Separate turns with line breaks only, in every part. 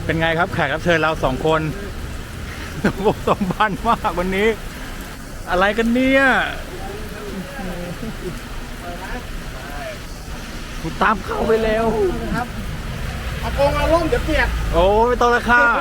เป็นไงครับแขกรับเชิญเราสองคนสมบันมากวันนี้ อะไรกันเนี่ยคุณตามเข้าไปเร็ว
ครับเอาโกงเอาล่มเดี๋ยวเปียก
โอ้ไม่ต้องละค่ะ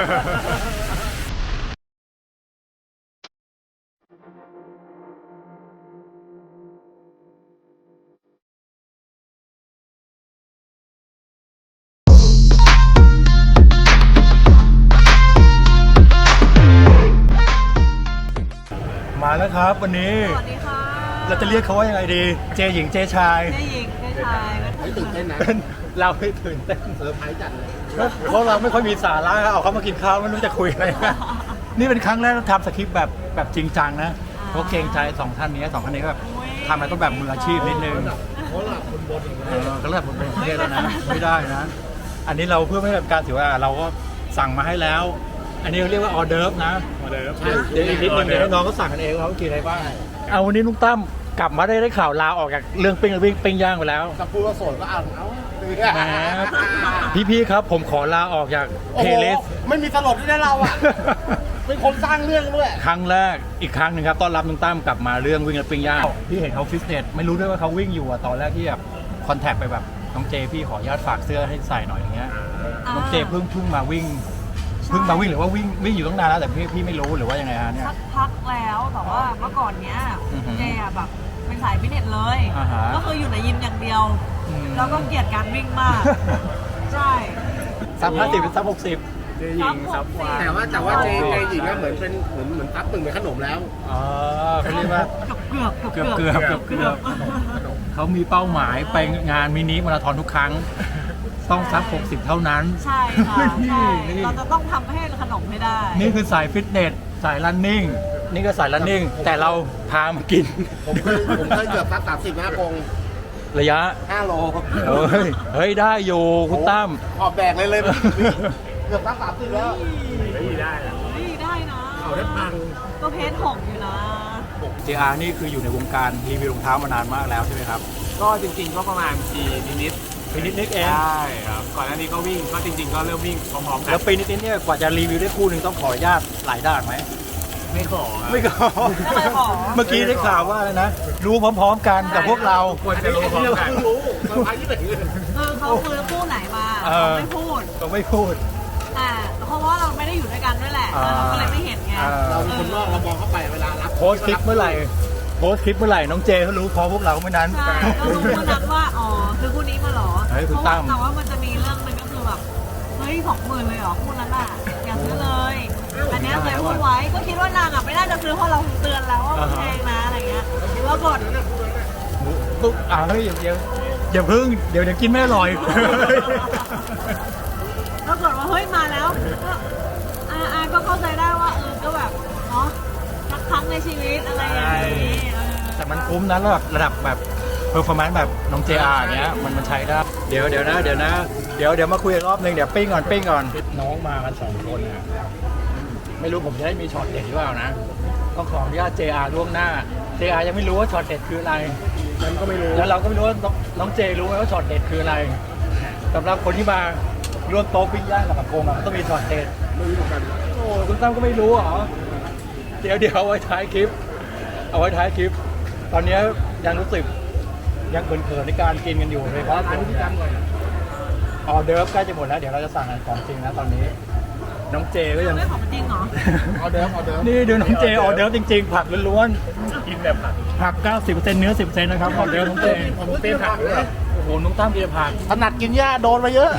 มาแล้วครับวันนี้
สวัสดีค่ะ
เราจะเรียกเขาว่ายังไงดีเจหญิงเจชาย
เจหญิงเจชาย
ไม่ตื่นเต้นนะ
เราไม่ตื่นเต้น
เซอร์ไพรส์จัดเลย
เพราะเราไม่ค่อยมีสาระเอาเขามากินข้าวไม่รู้จะคุยอะไรนี่เป็นครั้งแรกที่ทำสคริปต์แบบจริงจังนะเพราะเกรงใจสองท่านนี้แบบทำอะไรต้องแบบมืออาชีพนิดนึง
เพราะหลับคนบน
ก็ระดับบนประเทศแล้วนะไม่ได้นะอันนี้เราเพื่อไม่ให้แบบการถือว่าเราก็สั่งมาให้แล้วอันนี้เรียกว่าออเดิร์ฟนะออเดิร์ฟเดี๋ยวอีกนิดนึงเดี๋ยวน้องก็สั่งกันเองเขากินอะไรบ้างเอาวันนี้ลุงตั้มกลับมาได้ข่าวลาออกจากเรื่องปิ้งย่างไปแล้ว
จะพูดว่าโสดก็เอา
แหมพี่ครับผมขอลาออกจากเพลย์
ไม่มีตลกที่ได้เราอ่ะเป็นคนสร้างเรื่องด้วย
ครั้งแรกอีกครั้งหนึ่งครับต้อนรับลุงตั้มกลับมาเรื่องวิ่งและปิ้งย่างพี่เห็นเขาฟิตเนสไม่รู้ด้วยว่าเขาวิ่งอยู่ตอนแรกที่แบบคอนแทคไปแบบน้องเจพี่ขออนุญาตฝากเสื้อให้ใส่หน่อยอย่างเงี้ยน้องเจเพิ่งมาวิ่งหรือว่าวิ่งอยู่ตั้งนานแล้วแต่พี่ไม่รู้หรือว่ายังไงฮะเนี่ย
สักพักแล้วแต่ว่าเมื่อก่อนเนี้ยเจอะแบบเป็นสายฟิตเนสเลยก็คืออยู่ในยิมอย่างเดียวแล้วก็เกลียดการวิ่งมากใช่
ซับ50เป็นซับ60
เจหญิงซับวายแต่ว่าเจหญิงก็เหมือนซับตึงเป็นขนมแล้ว
เขาเรียกว่าเกือบเขามีเป้าหมายไปงานมินิมาราธอนทุกครั้งต้องซับ60เท่านั้น
ใช่ค่ะใช่เราจะต้องทำให้ขนมให้ได้
นี่คือสายฟิตเนสสายรันนิ่งนี่ก็สายรันนิ่งแต่เราพามากิน
ผมเคยเกือบซับ30นะกง
ระยะ
5 โล
เฮ้ยได้อยู่คุณตั้ม
ขอบแบกเลยเกือบซับ30แล้วได้นะเอาได้พัง
ก็เพจ6อยู่นะ
JR นี่คืออยู่ในวงการรีวิวรองเท้ามานานมากแล้วใช่ไหมครับ
ก็จริงๆก็ประมาณปีนิด
เอง
ใช่ครับก่อนหน้านี้ก็วิ่งก็จริงๆก็เริ่มวิ่งพร้อมๆกัน
แล้วปีนิดเนี่ยกว่าจะรีวิวได้คู่หนึ่งต้องขออนุญาตหลายด่านไหม
ไม่ขอเ
มื่อกี้ได้ข่าวว่าอะไรนะรู้พร้อมๆกันกับพวกเรา
ควรจะรู้พร้อมกัน
เขาคือคู่ไหนมาไม่พูดเพราะว่าเราไม่ได้อยู่ด้วยกันด้วยแหละเราก็เลยไม่เห็นไง
เราเป็นคนนอกเรามองเข้าไปเวลารับ
โพสคลิปเมื่อไหร่น้องเจเขารู้พอพวกเราเมื่อนั้น
ใช่ก็รู้เมื่อนั้นว่าคือคู่นี้มาหรอแต่ว่ามันจะมีเรื่องนึงก็คือแบบเฮ้ย20,000เลยหรอคู่นั้นอ่ะอย่าซื้อเลยอันนี้เคยพูดไว้ก็คิดว่านางอ่ะไม่น่าจะซื้อเพราะเราเตือนแล้วว่ามันแพงนะอะไรเงี้ยแล้วกด
ปุ๊บเฮ้ยอย่าพึ่งเดี๋ยวกินไม่อร่อย
แล้วกดว่าเฮ้ยมาแล้วก็เข้าใจได้ว่าก็แบบเนาะสักครั้งในชีวิตอะไรอย่างนี้
แต่มันคุ้มนะระดับแบบเพอร์ฟอร์แมนซ์แบบน้อง JR อย่างเงี้ยมันใช้ได้เดี๋ยวมาคุยอีกรอบนึงเดี๋ยวปิ้งก่อนน้องมากัน2 คนนะไม่รู้ผมจะได้มีช็อตเด็ดหรือเปล่านะต้องขออนุญาต JR ล่วงหน้า JR ยังไม่รู้ว่าช็อตเด็ดคืออะไร
มันก็ไม่รู้
แล้วเราก็ไม่รู้ว่าน้องเจรู้ไหมว่าช็อตเด็ดคืออะไรสำหรับคนที่มาร่วมโต๊ะปิ้งย่างกับปะโกงต้องมีช็อตเด็ด
ไม่รู้เหมือนกัน
โอ้คุณตั้มก็ไม่รู้เหรอเดี๋ยวเอาไว้ท้ายคลิปตอนนี้ยังรู้สึกยังเขินในการกินกันอยู่เลยเพราะออเดิร์ฟใกล้จะหมดแล้วเดี๋ยวเราจะสั่งของจริงนะตอนนี้น้องเจก็ยัง
ไม่ของจริงเหรอ
ออเดิร์ฟ
นี่ดูน้องเจออเดิร์ฟจริงๆผักล้วนๆกินแบบผัก 90% เนื้อ 10% นะครับออเดิร์ฟน้องเจ
ผมเป็นผักด้วย
โอ้โหน้องตั้มกินผัก
ถนัดกินหญ้าโดนมาเยอะ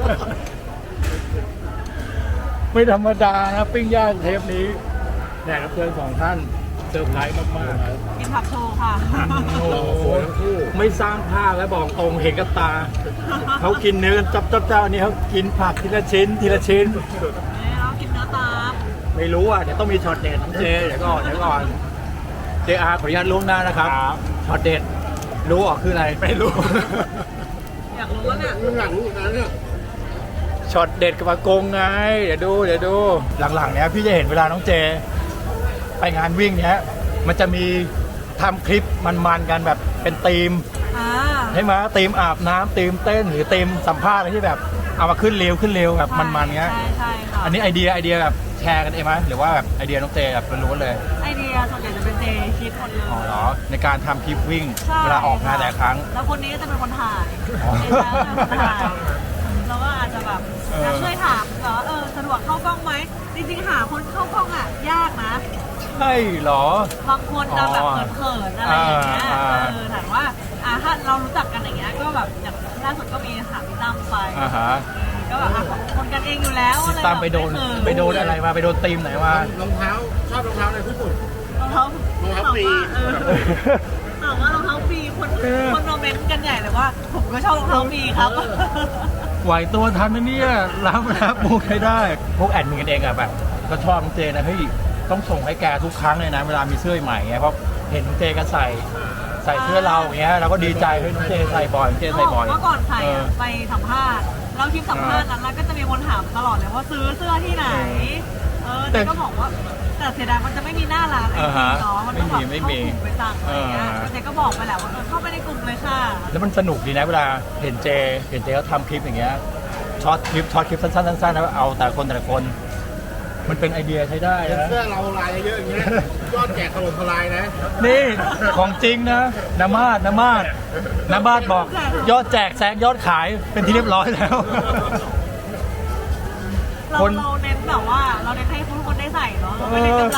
ไม่ธรรมดานะปิ้งย่างเทปนี้แขกรับเชิญ2 ท่านเซอร์ไพรส์มาก
ๆกินผักโชว์ค่ะ
โอ้โหไม่สร้างภาพและบอกตรงเห็นกับตาเขากินเนื้อจับเจ้านี่เขากินผักทีละชิ้น
เรากินเนื้อตาม
ไม่รู้เดี๋ยวต้องมีช็อตเด็ดน้องเจเดี๋ยวก่อนJR ขออนุญาตล่วงหน้านะครับช็อตเด็ดรู้คืออะไร
ไม่รู้
อยากรู้ว่าเนี่ย
หลังเนี่ย
ช็อตเด็ดกับปะโกงไงเดี๋ยวดูหลังๆเนี้ยพี่จะเห็นเวลาน้องเจไปงานวิ่งเนี้ยมันจะมีทำคลิปมันกันแบบเป็นธีมใช่ไหมธีมอาบน้ำธีมเต้นหรือธีมสัมภาษณ์อะไรที่แบบเอามาขึ้นเร็วแบบมันๆเงี้ย
ใช่ค่ะ
อันนี้ไอเดียแบบแชร์กันเองไหมหรือว่าแบบไอเดียน้องเจแบบล้วนๆเลย
ไอเดียส่วนใหญ่จะเป็นเจคิดหมดเลย
อ๋อเหรอในการทำคลิปวิ่ง
ใช่
เวลาออกงานแต่ละครั้ง
แล้วคนนี้ก็จะเป็นคนถ่าย
อ๋อ
เจจะเป็นคนถ่ายแล้วก็อาจจะแบบจะช่วยถามเหรอสะดวกเข้ากล้องไหมจริงๆหาคนเข้ากล้องอ่ะยากนะ
ใช่เหรอ
บางคนจะแบบเขินๆอะไรอย่างเงี้ย ถามว่าถ้าเรารู้จักกันอย่างเงี้ยก็แบบอย่างล่าสุดก็มีถามพี่ตั้มไป
อ่าฮะ
ก็แบบคนกันเองอยู่แล้วอะไร
ตามไปโดนอะไรมาไปโดนตีมไหนมา
รองเท้าชอบรองเท้าอะไรที่สุด
รองเท้าร
องเท้าฟรี
ถามว่ารองเท้าฟรีคนมาเมนต์กันใหญ่เลยว่า ผมก็ชอบรองเท้าฟรีครับ
ไหวตัวทันนะเนี่ยรับมุกให้ได้ พวกแอดมินกันเองอะแบบก็ชอบน้องเจนะเฮ้ยต้องส่งให้แกทุกครั้งเลยนะเวลามีเสื้อใหม่ไงเพราะเห็นน้องเจก็ใส่เสื้อเราอย่างเงี้ยเราก็ดีใจเฮ้ยน้องเจใส่บ่อยน้องเจใส่บ่อย
เมื่อก่อนใส่ไปสัมภาษณ์แล้วคลิปสัมภาษณ์นั้นแล้วก็จะมีคนถามตลอดเลยว่าซื้อเสื้อที่ไหนเจก็บอกว่าแต่เสียดายมันจะไม่มีหน้าร้านไอทีเนาะมันต้องแบบเข้ากลุ่มไปสั่งอะไรเงี้ยเจก็บอกไปแหละว่าเข้าไปในกลุ่มเลยค่ะ
แล้วมันสนุกดีนะเวลาเห็นเจเขาทำคลิปอย่างเงี้ยช็อตคลิปสั้นๆแล้วเอาแต่ละคนมันเป็นไอเดียใช้ได้นะ
เสื้อเราลายเยอะๆอย่างเงี้ยยอดแจกถล่มทลายนะ
นี่ของจริงนะน้ำมาดบอกยอดแจกแซงยอดขายเป็นที่เรียบร้อยแล้ว
เราเน้นแบบว่าเราเน้นให้ทุกคนได้ใส่เนาะเราไม่ได้กำไร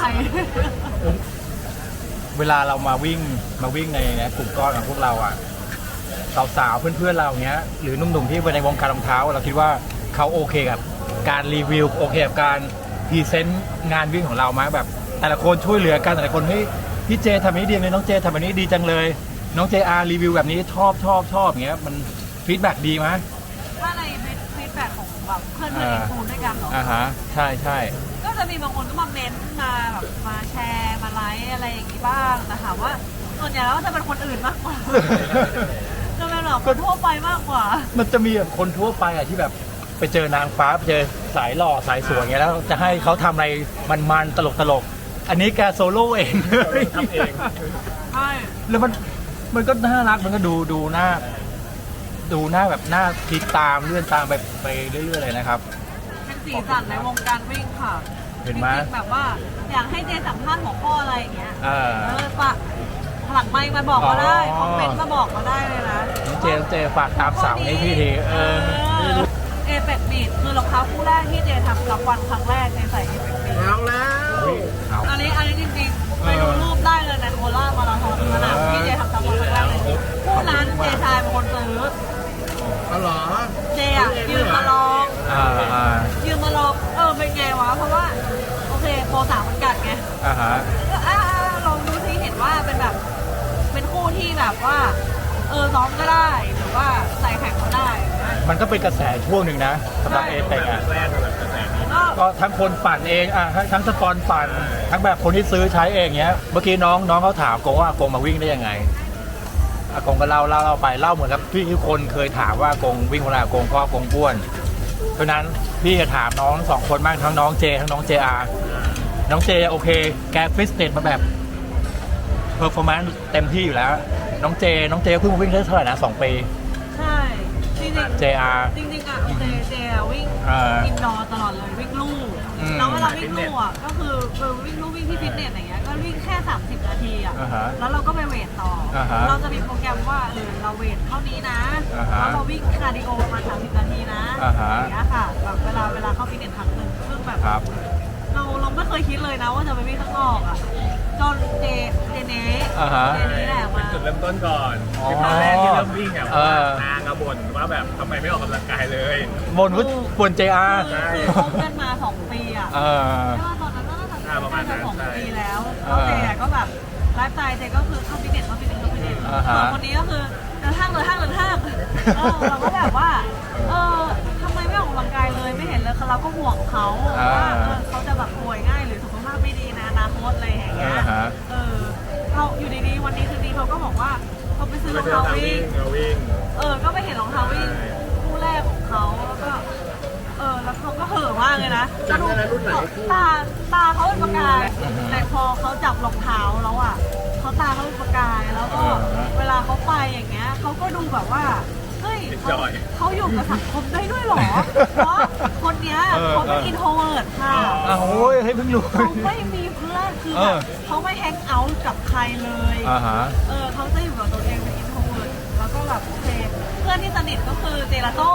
เวลาเรามาวิ่งในกลุ่มก้อนของพวกเราอ่ะสาวๆเพื่อนๆเราเนี้ยหรือหนุ่มๆที่ในวงการรองเท้าเราคิดว่าเขาโอเคกับการรีวิวโอเคกับการพรีเซนต์งานวิ่งของเราไหมแบบแต่ละคนช่วยเหลือกันแต่ละคนเฮ้ยพี่เจทำแบบนี้ดีเลยน้องเจทำแบบนี้ดีจังเลยน้องเจอาร์รีวิวแบบนี้ชอบอย่างเงี้ยมันฟีดแบ็กดีไหม
ถ้าในฟีดแบ็กของแบบเพื่อนอินฟูด้วยกันเหรอ
ฮะใช่
ก็จะมีบางคนก็มาเม้นต์มาแบบมาแชร์มาไลค์อะไรอย่างนี้บ้างแต่ถามว่าส่วนใหญ่แล้วจะเป็นคนอื่นมากกว่า จะเป็นแบบคนทั่วไปมากกว่า
มันจะมีแบบคนทั่วไปอะที่แบบไปเจอนางฟ้าไปเจอสายหล่อสายสวยอย่างเงี้ยแล้วจะให้เขาทำอะไรมันๆตลกอันนี้แกโซโล่เอง
ทำเอง
ใช่
แล้วมันก็น่ารักมันก็ดูหน้าแบบหน้าคลิกตามเลื่อนตามไปเรื่อยๆเลยนะครับ
เป็นสีสันในวงการวิ่งค่ะ
เห็นไหม
จริงๆแบบว่าอยากให้เจสัมภาษณ์หัวข้ออะไรอย่างเงี้ย
ปะ
หลังไมค์มาบอกก็ได้คอมเมนต์มาบอกก็ได้เลยนะ
น้องเจฝากตามสาวให้พี่ที
เอเป็ดบีดคือรองเท้าคู่แรกที่เจทำกับวันครั้งแรกในใส่เอเป็ดบีด
เอาแล้ว
อันนี้จริงๆไปดูรูปได้เลยในโคราชมาราธอนสนามที่เจทำกับวันครั้งแรกเลยคู่นั้นเจชายเป็นคนซื้อ
เอาเหรอ
เจอ่ะยืมมาลอง ยืมมาลองเป็นไงวะเพราะว่าโอเคโปร3มันกัดไงก็ลองดูที่เห็นว่าเป็นแบบเป็นคู่ที่แบบว่าซ้อมก็ได้หรือว่าใส่แข่งก็ได้
มันก็เป็นกระแสช่วงหนึ่งนะสำหรับเอเปกอ่ะ
แรกแบบกระแสนี้
ก็ทั้งคนปั่นเองทั้งสปอนปั่นทั้งแบบคนที่ซื้อใช้เองเงี้ยเมื่อกี้น้องเขาถามกงว่าอากงมาวิ่งได้ยังไงอากงก็เล่าไปเล่าเหมือนกับที่ทุกคนเคยถามว่าอากงวิ่งเวลาอากงเพราะอากงอ้วนเพราะนั้นพี่จะถามน้องสองคนบ้างทั้งน้องเจทั้งน้องเจอาน้องเจโอเคแกฟิตเนสมาแบบเพอร์ฟอร์แมนซ์เต็มที่อยู่แล้วน้องเจเพิ่งมาวิ่งได้เท่าไหร่นะ2 ปี
ใช่จริงๆ
JR
จริงๆอ่ะเจวิ่งอินดอร์ตลอดเลยวิ่งลู่แล้วเวลาวิ่งลู่อ่ะก็คือวิ่งลู่วิ่งที่ฟิตเนสอย่างเงี้ยก็วิ่งแค่30 นาทีอ่ะแล้วเราก็ไปเวทต่อเราจะมีโปรแกรมว่าเราเวทเท่านี้นะแล้วเราวิ่งคาร์ดิโอประมาณ30 นาทีนะอย่างเงี้ยค่ะแบบเวลาเข้าฟิตเนสครั้งหนึ่งซึ่งแบบเราไม่เคยคิดเลยนะว่าจะไปวิ่งข้างนอกอ่ะจนเจเน่แหละมา
จุดเริ่มต้นก่อนคือตอนแรกที่เริ่มวิ่งอ่ะนางอะบ่นว่าแบบทำไมไม่ออกกำลังกายเลย
บน JR
คือคบกันมา2 ปีอ่ะใช่ว่าตอนนั้นน่าจะประมาณ2 ปีแล้วแล้วเจก็แบบไลฟ์สไตล์เจก็คือเข้าฟิตเนสส่วนคนนี้ก็คือเดินห้างเราก็แบบว่าทำไมไม่ออกกำลังกายเลยไม่เห็นเลยเราก็ห่วงเขาว่าเขาจะแบบป่วยง่ายหรือสุขภาพไม่ดีนะอนาคตอะไรอย่างเงี้ยเราอยู่ดีๆวันนี้คืนนี้เขาก็บอกว่าเขาไปซื้อรองเท้าวิ่งก็ไปเห็นรองเท้าวิ่งคู่แรกของเขาแล้วก็แล้วเขาก็เห่อมากเลยนะตาเขาเป็นประกายแต่พอเขาจับรองเท้าแล้วอ่ะเขาตาเขาเป็นประกายแล้วก็เวลาเขาไปอย่างเงี้ยเขาก็ดูแบบว่าเฮ้ย
จอย
เขาอยู่กับสังคมได้ด้วยเหรอ เพราะคนเนี้ยเขาเป็นอินโทรเวิร์ตค่ะ
อ้าวโอ้ยให้เพิ่งรู้
เขาไม่มีเพื่อนคือแบบเขาไม่แฮงเอาท์กับใครเลย
ฮะ
เขาจะอยู่กับตัวเองเป็นอินโทรเวิร์ตแล้วก็แบบโอเคเพื่อนที่สนิทก็คือเจลาโต้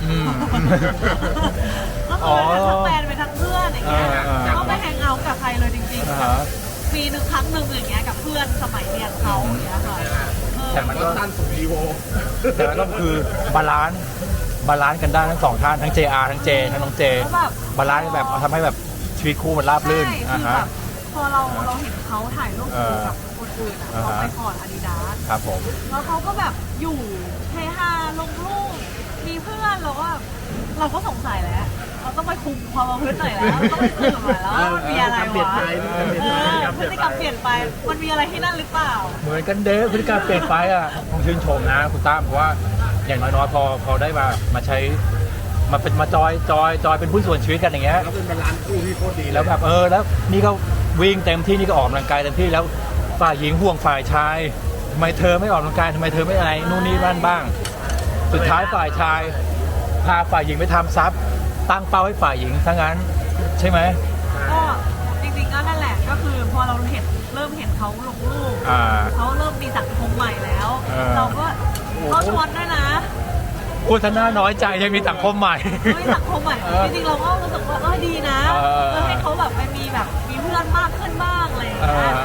ก็คือทั้งแฟนเป็นทั้งเพื่อนอย่างเงี้ยก็ไม่แฮงเอาท์กับใครเลยจริงๆปีหนึ่งครั้งหนึ่งอย่างเงี้ยกับเพื่อนสมัยเรียนเขาอย่างเงี้ยค่ะ
แต่มันก็
ตั้นสุดรีโว
แต่มันก็คือบาลานซ์กันได้ทั้งสองท่านทั้ง JR ทั้งเจทั้งน้องเจบาลานซ์แบบทำให้แบบชีวิตคู่มันราบรื่น
ใช่คือแบบพอเราเห็นเขาถ่ายรูปคู่กับคนอื่นอ่ะเขาไปก่อนอาดิดาส
ครับผม
แล้วเขาก็แบบอยู่เฮฮาลงรูปมีเพื่อนเราก็สงสัยแล้วเราต้องไปคุมความประพฤติหน่อยแล้วต้องไปสืบหน่อยแล้วว่ามันมีอะไรวะพฤติกรรมเปลี่ยนไปมันมีอะไรที่นั่นหรือเปล่า
เหมือนกันเด้พฤติกรรมเปลี่ยนไปอ่ะต้องชื่นชมนะคุณตั้มเพราะว่าอย่างน้อยๆพอได้มาใช้มาจอยเป็นผู้ส่วนชีวิตกันอย่างเงี้ย
แล้วเป็นบาลานซ์คู่ที่โคตรดี
แล้วแบบแล้วนี่ก็วิ่งเต็มที่นี่ก็ออกกำลังกายเต็มที่แล้วฝ่ายหญิงห่วงฝ่ายชายทำไมเธอไม่ออกกำลังกายทำไมเธอไม่อะไรนู่นนี่นั่นบ้าง สุดท้ายฝ่ายชายพาฝ่ายหญิงไปทำซับตั้งเป้าให้ฝ่ายหญิงทั้งนั้นใช่ไหม
ก็จริงๆก็นั่นแหละก็คือพอเราเริ่มเห็นเขาลงรูปเขาเริ่มมีสังคมใหม่แล้ว เราก็เขาชวนด้วยนะ
พูดท่าน่าน้อยใจยังมีสังคมใหม่
มีสังคมใหม่จริงๆเราก็รู้สึกว่าดีนะให้เขาแบบไปมีเพื่อนมากขึ้นบ้างอะไรอย่างเงี้ย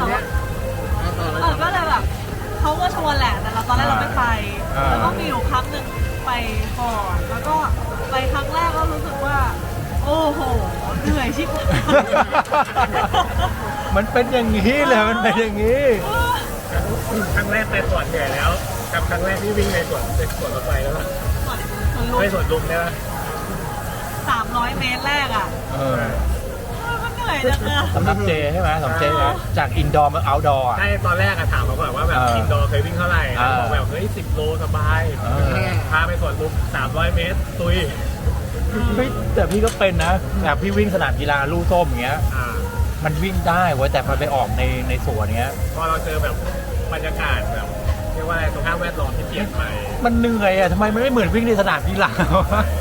ก็เลยแบบเขาก็ชวนแหละแต่ตอนแรกเราไม่ไปแล้วก็มีอยู่ครั้งหนึ่งไปก่อนแล้วก็ไปครั้งแรกก็รู้สึกว่าโอ้โหเหนื่อยชิบหาย
มันเป็นอย่างนี้เลยมันเป็นอย่างนี้
ครั้งแรกไปสวนเหนื่อยแล้วกับครั้งแรกที่วิ่งในสวนรถไฟแล้วป่ะไม่สวนลุมได้ป่ะ
300 เมตรแรกอ่ะมันเหนื่อยจังอะ
สำหรับเจใช่ไหมสำหรับเจนะจากอินดอร์มาเอาท์ดอร์
ใช่ตอนแรกอะถามเขาก่อนว่าแบบอินดอร์เคยวิ่งเท่าไหร่เขาบอกแบบเฮ้ย10 โลสบายพาไปสวนลุม300 เมตรตุย
แต่พี่ก็เป็นนะแบบพี่วิ่งสนามกีฬาลู่ส้มอย่างเงี้ยมันวิ่งได้เว้ยแต่พอไปออกในสวนเงี้ย
พอเราเจอแบบบรรยากาศแบบเรียกว่าอะไรสภาพแวดล้อมที่เปลี่ยนไป
มันเหนื่อยอ่ะทำไมมันไม่เหมือนวิ่งในสนามกีฬาวะ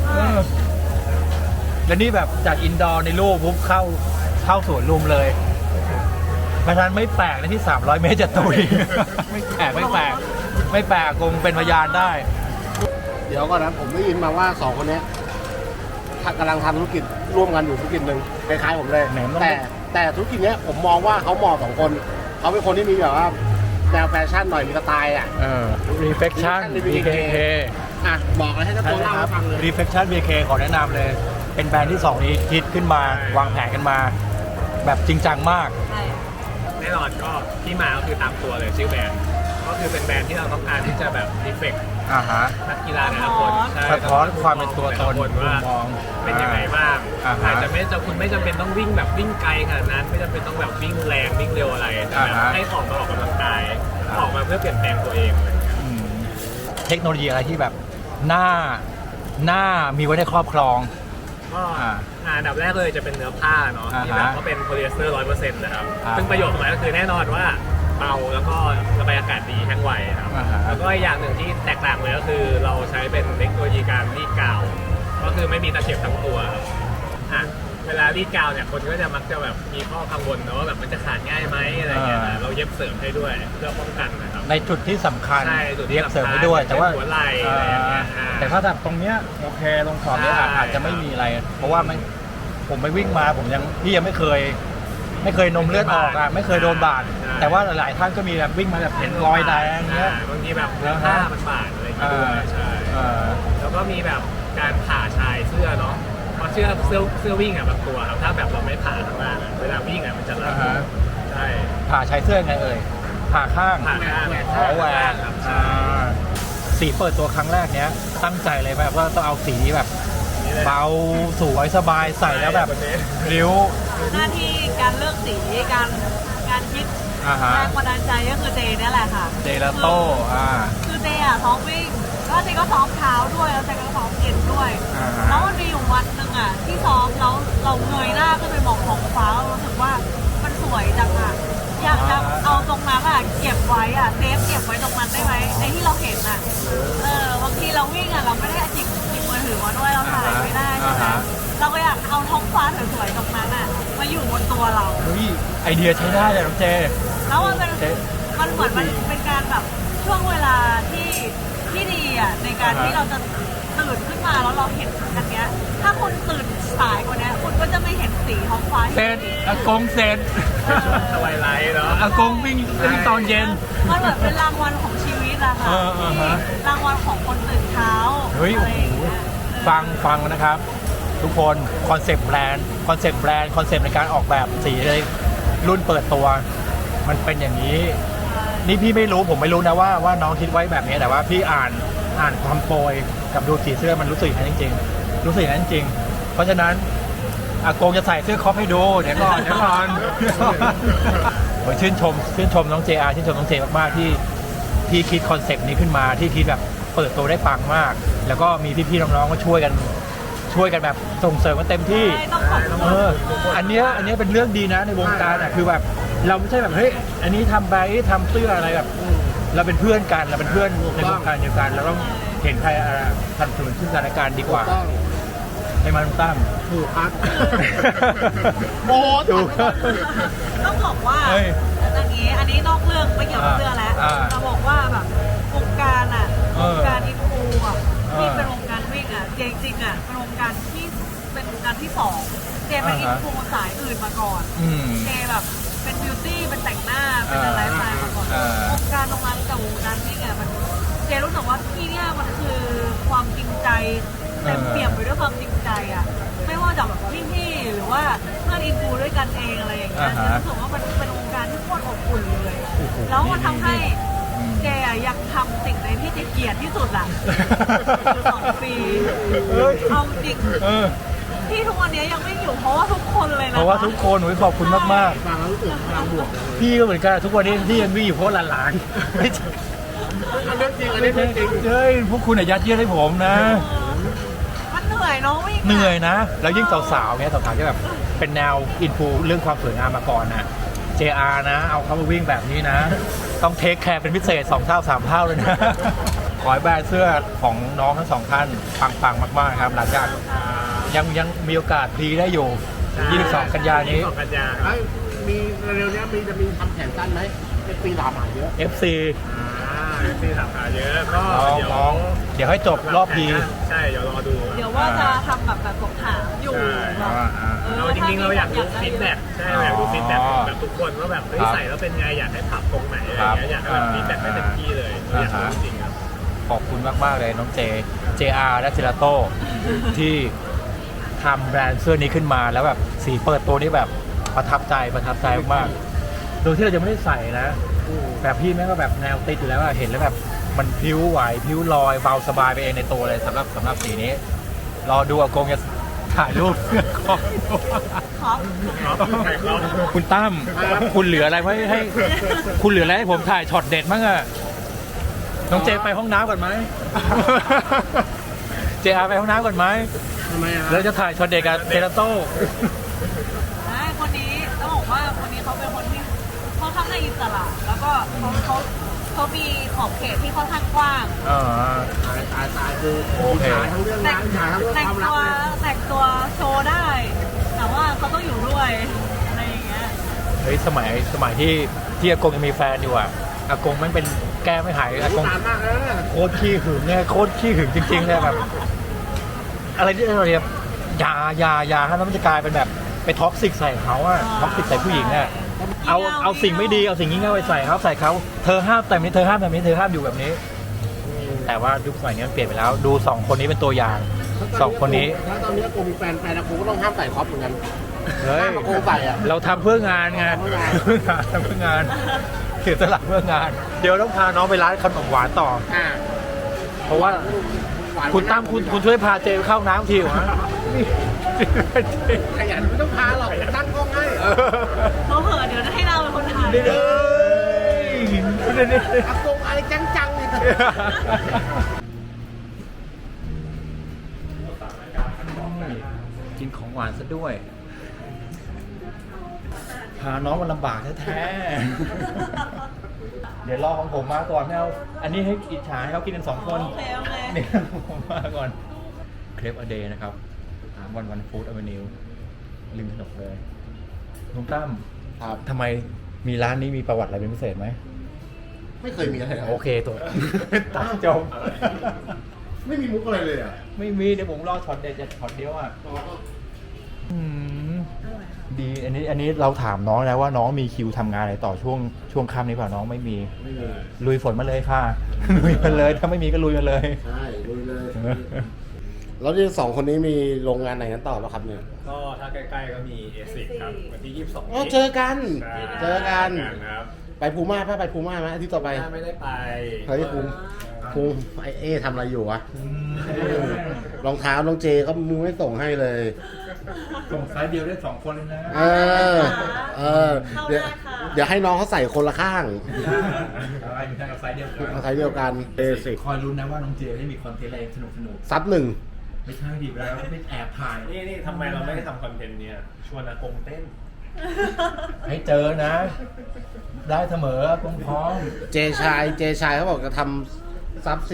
แล้วนี่แบบจากอินดอร์ในลู่ปุ๊บเข้าสวนลุมเลยเพราะฉะนั้นไม่แปลกนะที่300 เมตรจะตุยไม่แปลกคงเป็นพยานได้
เดี๋ยวก่อนนะผมได้ยินมาว่าสองคนนี้กำลังทำธุรกิจร่วมกันอยู่ธุรกิจหนึ่งคล้ายๆผมเลยแต่ธุรกิจเนี้ยผมมองว่าเขาเหมาะสองคนเขาเป็นคนที่มีแบบว่าแนวแฟชั่นหน่อยมีสไตล์อ่ะ
Reflection BKK
อ่ะบอกเลยให้เจ้าตัวเล่าให้ฟังเลย
Reflection BKK ขอแนะนำเลยเป็นแบรนด์ที่2นี้คิดขึ้นมาวางแผนกันมาแบบจริงจังมาก
แน่นอนก็ที่มาก็คือตามตัวเลยชื่อแบรนด์ก็คือเป็นแบรนด์ที่เราต้องการที่จะแบบรีเฟกนักกีฬาแต่ละคน
สะท้อนความเป็นตัวตน
ว่าเป็นยังไงบ้างอาจจะคุณไม่จำเป็นต้องวิ่งแบบวิ่งไกลขนาดนั้นไม่จำเป็นต้องแบบวิ่งแรงวิ่งเร็วอะไรแต่แบบให้ออกกำลังกายออกมาเพื่อเปลี่ยนแปลงตัวเอง
เทคโนโลยีอะไรที่แบบน่ามีไว้ในครอบครอง
ก็อันดับแรกเลยจะเป็นเนื้อผ้าเนาะที่แบบก็เป็นโพลีเอสเตอร์ 100% นะครับซึ่งประโยชน์ของมันก็คือแน่นอนว่าเบาแล้วก็ระบายอากาศดีแห้งไวครับแล้วก็อย่างหนึ่งที่แตกต่างเลยก็คือเราใช้เป็นเทคโนโลยีการรีดกาวก็คือไม่มีตะเข็บทั้งตัวเวลารีดกาวเนี่ยคนก็จะมักจะแบบมีข้อกังวลนะว่าแบบมันจะขาดง่ายไหมอะไรเงี้ยเราเย็บเสริมให้ด้วยเพื่อป้องกันนะครับ
ในจุดที่สำคัญ
เย็บ
เสริมให้ด้วยแต่ว่า
หัวไหล่อะไรเงี้ย
แต่ถ้าแบบตรงเนี้ยโอเคตรงขอบเนี้ยอาจจะไม่มีอะไรเพราะว่าผมไปวิ่งมาพี่ยังไม่เคยนมเลือดออกอ่ะไม่เคยโดนบาดแต่ว่าหลายๆท่านก็มีแบบวิ่งมาแบบเห็นรอยแดงเงี้ย
บางทีแบบเนื้อผ้ามันบาดอะไรอย่างเงี้ยใช่แล้วก็มีแบบการผ่าชายเสื้อเนาะเพราะเสื้อวิ่งอ่ะบางตัวครับถ้าแบบเราไม่ผ่าข้างล่างเวลาวิ่งอ่ะมันจะรัดใช่
ผ่าชายเสื้อไงผ่าข้าง
แหวก
สีเปิดตัวครั้งแรกเนี้ยตั้งใจเลยแบบว่าต้องเอาสีแบบเบาสวยสบายใส่แล้วแบบริ้ว
หน้าที่การเลือกสีการคิดแรงบันดาลใจก็คือเจนี่แหละค่ะ
เจลาโต้
คือเจอ่ะซ้อมวิ่งแล้วเจก็ซ้อมเท้าด้วยแล้วเจก็ซ้อมเอ็นด้วยแล้วมันมีอยู่วันหนึ่งอ่ะที่ซ้อมแล้วเราเงยหน้าขึ้นไปมองท้องฟ้าเรารู้สึกว่ามันสวยจังอ่ะอยากจะเอาตรงนั้นอ่ะเก็บไว้อ่ะเซฟเก็บไว้ตรงนั้นได้ไหมไอ้ที่เราเห็นอ่ะบางทีเรา
ไอเดียใช้ได้เลยน้องเจ
แล้วมันเป็นมันเหมือนมันเป็นการแบบช่วงเวลาที่ดีอ่ะในการที่เราจะตื่นขึ้นมาแล้วเราเห็นอันเนี้ยถ้าคุณตื่นสายกว่านี้คุณก็จะไม่เห็นสีท้องฟ้า
เสร็จอากงเสร็จ
สบายไลท์เนาะ
อากงวิ่งตอนเย็น
มันเหมือนเป็นรางวัลของชีวิตอะค่ะ
ฮะ
รางวัลของคนตื่นเช้า
เฮ้ย
อะไรอย่างเงี้ย
ฟังนะครับ ทุกคนคอนเซปต์แบรนด์คอนเซปต์ในการออกแบบสีเลยรุ่นเปิดตัว มันเป็นอย่างนี้ นี่พี่ไม่รู้ผมไม่รู้นะว่าน้องคิดไว้แบบนี้แต่ว่าพี่อ่านความโปรยกับดูสีเสื้อมันรู้สึกอย่างนั้นจริงๆรู้สึกอย่างนั้นจริงเพราะฉะนั้นอากงจะใส่เสื้อคอปให้ดูเดี๋ยวก่อนโอ้ยชื่นชมน้อง JR ชื่นชมน้องเจมากๆที่คิดคอนเซปต์นี้ขึ้นมาที่คิดแบบเปิดตัวได้ปังมาก แล้วก็มีพี่ๆน้องๆก็ช่วยกันแบบส่งเสริมกันเต็มที่
ใช่ต้องขอบคุณ
อันเนี้ยเป็นเรื่องดีนะในวงการอ่ะคือแบบเราไม่ใช่แบบเฮ้ยอันนี้ทำไปทำเสื้ออะไรแบบเราเป็นเพื่อนกันเราเป็นเพื่อนในวงการเดียวกันเราต้องเห็นใครทำสนุนซึ่งกันและกันดีกว่า
ต้อง
ให้มันตั้ม
ถูกครับโอ้
ถูก
ต้องบอกว่า
เฮ้ย
อันนี้นอกเรื่องไม่เกี่ยวกับเสื้อแล้วจะบอกว่าแบบวงการอ่ะวงการอินฟูอ่ะที่เป็นวงการวิ่งอ่ะจริงๆอ่ะเป็นวงการที่สองเจเป็นอินฟูสายอื่นมาก่อนเจแบบเป็นบิวตี้เป็นแต่งหน้าเป็นอะไรสไตล์มาก่อนวงการตรงนั้นกับวงการวิ่งอ่ะมันเจรู้สึกว่าที่เนี่ยมันคือความจริงใจเต็มเปี่ยมไปด้วยความจริงใจอ่ะไม่ว่าจากแบบพี่ๆหรือว่าเพื่อนอินฟูด้วยกันเองอะไรอย่างเงี้ยเจรู้สึกว่ามันเป็นวงการที่โคตรอบอุ่นเลยแล้วมันทำให้เจยังทำสิ่งในที่เจเกลียดที่สุดอ่ะคือ2 ปีเอาจริงที่ทุกวันนี้ยังไม่อยู่เพราะว่าทุกคนเลยนะ
เพราะว่าทุกคนขอบคุณมาก
ฟังแล้วรู้สึกพลังบวกเลย
ๆพี่ก็เหมือนกันทุกวันนี้ที่ยังวิ่งอยู่เพราะหลานๆไม่ใช่
อันนี้จริงอันนี้จริง
เฮ้ยพวกคุณยัดเยียดให้ผมนะ
มันเหนื่อยเนาะวิ่ง
เหนื่อยนะ แล้วยิ่งสาวๆเนี่ยสาวๆที่แบบเป็นแนวอินฟูเรื่องความสวยงามมาก่อนนะ JR นะ เอาเขามาวิ่งแบบนี้นะ ต้องเทคแคร์เป็นพิเศษ2 เท่า 3 เท่าเลยนะ ขอให้แบรนด์เสื้อของน้องทั้งสองท่านปังๆมากๆครับหลังจากยังมีโอกาสพรีได้อยู่ 22 กันยายนนี้
22 กันยา
ๆไอ้มีเร็วๆนี้จะมีทำแขนสั้นไหมเป็นปีหลามหาเยอะ
FC
ที่ถามหาเยอะก็
เดี๋ยวให้จบรอบพี
ใช่เดี๋ยวรอดู
เดี๋ยวว่าจะทำแบบสอบถามอยู่แบบ
เราจริงๆเราอยากดูฟีดแบ็กใช่อยากดูฟีดแบ็กแบบทุกคนว่าแบบเฮ้ยใส่แล้วเป็นไงอยากให้ปรับตรงไหนอะไรอย่างเงี้ยอยากให้แบบฟีดแบ็กได้เต็มที่เลยอยากรู้จริงครับ
ขอบคุณมากๆเลยน้องJR และเจลาโต้ที่ทำแบรนด์เสื้อนี้ขึ้นมาแล้วแบบสีเปิดตัวนี้แบบประทับใจมากๆโดยที่เราจะไม่ได้ใส่นะแบบพี่แม่งก็แบบแนวติดอยู่แล้วอะเห็นแล้วแบบมันพิ้วไหวพิ้วลอยเบาสบายไปเองในตัวเลยสำหรับสีนี้รอดูอากงจะถ่ายรูปเสื้อครอบ
ครับ
คุณตั้มคุณเหลืออะไรไว้ให้คุณเหลืออะไรให้ผมถ่ายช็อตเด็ดมั้งอะน้องเจไปห้องน้ำก่อนไหม JR ไปห้องน้ำก่อนไหม
ทำไมอ่ะ
แล้วจะถ่ายช็อตเด็ดกับเจลาโต้
คนนี้ต้องบอกว่าคนนี้เขาเป็นคนที่ค่อนข้างอิสระแล้วก็เขามีขอบเขตที่ค่อนข้างกว้าง
ตายคือหาทั้งเรื่องงานหาทั้งเรื่องความรักเลย
แต่งตัวโชว์ได้ แต่ว่าเขาต้องอยู่ด้วยอะไรอย่างเงี้ย
เฮ้ยสมัยที่อากงยังมีแฟนอยู่อ่ะอากงมันเป็นแก้ไม่หายอากง
นานมากแล้วเนี่ย
โคตรขี้หึงเนี่ยโคตรขี้หึงจริงๆเลยแบบ อะไรที่เราเรียกยาฮะแล้วมันจะกลายเป็นแบบไปท็อกซิกใส่เขาอะท็อกซิกใส่ผู้หญิงอะเอาสิ่งไม่ดีเอาสิ่งงี้เง่าไปใส่เขาเธอห้ามแต่นี้เธอห้ามแบบนี้เธอห้ามอยู่แบบนี้ แต่ว่ายุคสมัยนี้มันเปลี่ยนไปแล้วดู2 คนนี้เป็นตัวอย่าง2 คนนี้
ถ้าตอนนี้กูมีแฟนกูก็ต้องห้ามใส่คอปเหมือนกัน
เฮ้ย
กูใส่อ่ะ
เราทำเพื่องานไง
ทำเพื่องาน
ทำเพื่องานเสียสละเพื่องาน เดี๋ยวต้องพาน้องไปร้านขนมหวานต่อ เพราะว่าคุณตั้มคุณช่วยพาเจเข้าน้ำทีวะ
ขยันไม่ต้องพาหรอกตั้งกล้องให้
เขาเหอะเดี๋ยวให้เราเป็นคนถ่าย
อากงอะไรจังๆนี่
กินของหวานซะด้วย พาน้องมันลำบากแท้ๆ เดี๋ยวรอของผมมาก่อนไม่เอาอันนี้ให้อิจฉาให้เขากินกัน2 คน
โอเค
เนี่ยผมมาก่อนเครปอเดย์นะครับวันฟู้ดอเวนิวริมถนนเลยลุงตั้ม
ครับ
ทำไมมีร้านนี้มีประวัติอะไรเป็นพิเศษไหม
ไม่เคยมีอะไรเลย
โอเคตัวตัดจบ
ไม่มีมุกอะไรเลยอ่ะ
ไม่มีเดี๋ยวผมรอช็อตเด็ดจะช็อตเดียวอ่ะอืมดีอันนี้เราถามน้องแล้วว่าน้องมีคิวทำงานอะไรต่อช่วงค่ำนี้เปล่าน้องไม่มี
ไม่มี
ลุยฝนมาเลยค่ะ ลุยมาเลยถ้าไม่มีก็ลุยมาเลย
ใช่ลุยเลย แล้วที่สองคนนี้มีโรงงานไหนกันต่อป่ะครับเนี่ย
ก็ถ้าใกล้ๆก็มีเอซิกครับวันที่ 22
อ๋อเจอกัน
ใช่
เจอกัน
ครับ
ไปภูม่าป่ะไปภูม่าไหมอาทิตย์ต่อไป
ไม่ได้ไป
เฮ้ยภูมิไอเอทำอะไรอยู่วะรองเท้าน้องเจก็มึงไม่ส่งให้เลย
ส่งไซส์เดียวได้2 คนเลยนะ
เออ เออ เดี๋ยวให้น้องเขาใส่คนละข้าง
อะไรอยู่ทางกับไซส์เดียวกัน
เอาไซส์เดียวกันเบสิก
คอยรุ้นนะว่าน้องเจได้มีคอนเทนต์อะไรสนุก
ซับหนึ่ง
ไม่ใช่ดิแล้วไม่แอบถ่าย
นี่ทำไมเราไม่ได้ทำคอนเทนต์เนี่ยชวนอากงเต้น
ให้เจอนะ ได้เสมอพร้อม
เจชายเขาบอกจะทำซับ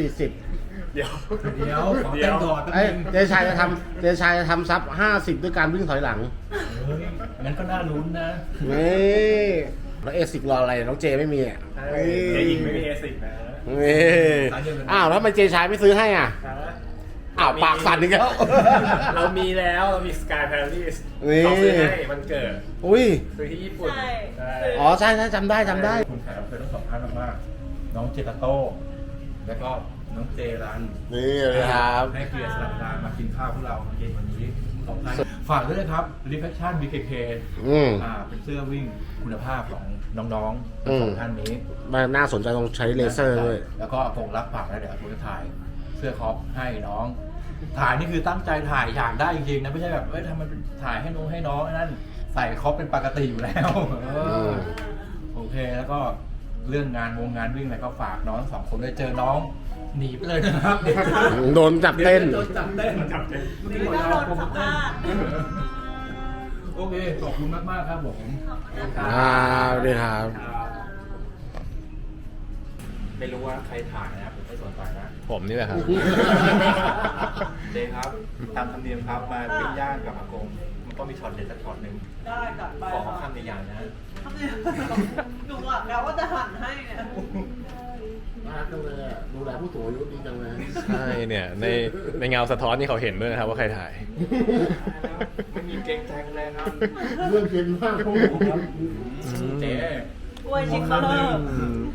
40
เดี๋ยว
ๆเดี๋ยวขอเต้นก่อน
เอ้ยเจชายจะทำซับ50ด้วยการวิ่งถอยหลัง
เฮ้ยงั้นก็น่าลุ้นนะ
นี่แล้วเอซิกรออะไรน้องเจไม่มีอ่ะ
เจ๊หญิงไม่มีเอซิกนะ
นี่อ้าวแล้วทำไมเจชายไม่ซื้อให้อ่ะอ้าวปากสั่นอีกแล้ว
เรามีแล้วเรามีสกายพาราดิส
นี่
เขาซื้อให้มันเกิด
อุ้ย
ซื้อที่ญี่ปุ่น
ใช่
ใช่
อ๋อใช่จำได้
คุณแขกรับเชิญทั้ง2 ท่านมากๆน้องเจตโต้แล้วก็น้องเจรัน
นี่เลยครับ
ให้เกียรติสลับเวลามากินข้าวพวกเรามากินวันนี้2 ท่านฝากด้วยนะครับ Reflection BKK เป็นเสื้อวิ่งคุณภาพของน้องๆทั้ง 2 ท่านนี้
มันน่าสนใจตรงใช้เลเซอร์ด้วย
แล้วก็คงรับปากแล้วเดี๋ยวผมจะถ่ายเสื้อคอปให้น้อง ถ่ายนี่คือตั้งใจถ่ายอยากได้จริงๆนะไม่ใช่แบบทำมันถ่ายให้น้องนั่นใส่คอปเป็นปกติอยู่แล้วโอเคแล้วก็เรื่องงานวิ่งอะไรก็ฝากน้อง2 คนด้วยเจอน้องหนีไปเลยนะครับ
โดนจับเต้น
โดนจับเต้น
ไม่ต้องโดนสัมภาษณ์
โอเคขอบคุณมากๆครับผม
สวัสดีครับ
ไม่รู้ว่าใครถ่ายนะครับผมไม่สนใจนะ
ผมนี่แหละครับ
เจครับตามธรรมเนียมครับมาปิ้งย่างกับอากงมันต้องมีช็อตเด็ดสักช็อตหนึ่ง
ได้จัดไป
ขอ
ค่ะ
คำใหญ่ๆนะ
ทำไมหนูอ่ะแล้วว่าจะหั่นให้เนี่ย
น่ารักจังเลยอ่ะดูแลผู้สูงอายุดีจังเลย
ใช่เนี่ยในเงาสะท้อนนี่เขาเห็นด้วยนะครับว่าใครถ่าย
ไม่มีเกรงใจกันเลยครับ
เรื่องเย็นมากพวกผมครับ
เจ๊
กล้วยชิคเคอร์เลอร์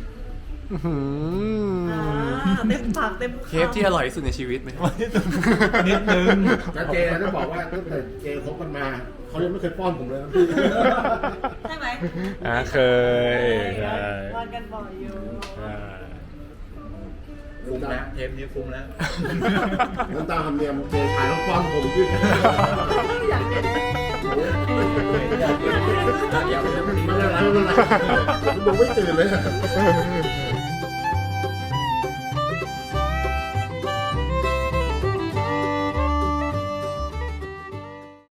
เต็มปากเต็มคำ
เคฟที่อร่อยที่สุดในชีวิตไหม
นิดนึง
แล้วเจต้องบอกว่าตั้งแต่เจคบกันมาเขายังไม่เคยป้อนผมเลยนะพี่
ใช่ไหม
เคยใช่
วันกันบ่อยอยู่
คุ้มแล้วเทปนี้คุ้มแล้ว
น้ำตาทำเนียมเจชายต้องป้อนผมพี่
อยากเห็น
อย่าไปเล่น
ไม่เป็นไรผมดูไม่ตื่นเลย